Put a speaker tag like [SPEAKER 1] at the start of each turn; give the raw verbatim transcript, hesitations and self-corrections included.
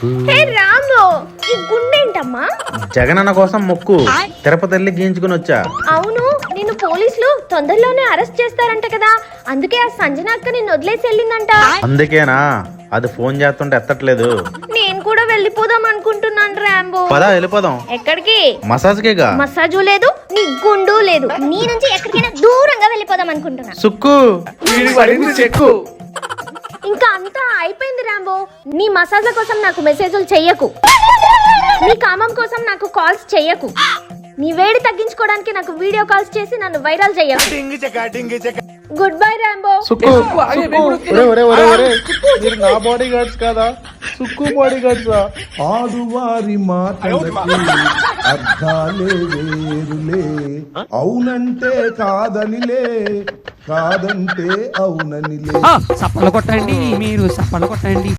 [SPEAKER 1] హే రాము, ఈ గుండేంటమ్మా?
[SPEAKER 2] జగనన్న కోసం మొక్కు తిరుపతి వెళ్ళి గీయించుకుని వచ్చా.
[SPEAKER 1] అవును, నిన్ను పోలీసులు తొందరలోనే అరెస్ట్ చేస్తారంట కదా, అందుకే ఆ సంజన అక్క నిన్ను వదిలేసి వెళ్ళిందంట.
[SPEAKER 2] అందుకేనా అది ఫోన్ చేస్తుంటే ఎత్తట్లేదు.
[SPEAKER 1] నేను కూడా వెళ్ళిపోదాం అనుకుంటున్నాను రాంబో.
[SPEAKER 2] పదా వెళ్ళిపోదాం.
[SPEAKER 1] ఎక్కడికి?
[SPEAKER 2] మసాజ్ కేగా.
[SPEAKER 1] మసాజు లేదు, నీ గుండు లేదు. నీ నుంచి ఎక్కడికైనా దూరంగా వెళ్ళిపోదాం అనుకుంటున్నా.
[SPEAKER 2] సుక్కు
[SPEAKER 3] చెక్కు
[SPEAKER 1] ఇంకా అంతా అయిపోయింది రాంబో. నీ మసాజ్ల కోసం నాకు మెసేజ్లు చెయ్యకు, నీ కామం కోసం నాకు కాల్స్ చెయ్యకు, నీ వేడి తగ్గించుకోవడానికి నాకు వీడియో కాల్స్ చేసి నన్ను వైరల్ చెయ్యకు. Good bye Rambo.
[SPEAKER 3] సుక్కు ఒరే ఒరే ఒరే ఒరే మీరు నా బాడీ గార్డ్స్ కాదా? Sukku body guards.
[SPEAKER 4] ఆడువారి మాటలకి అర్థాలే వేరులే, అవునంటే కాదనిలే, కాదంటే అవుననిలే.
[SPEAKER 5] సప్పలు కొట్టండి, మీరు సప్పలు కొట్టండి.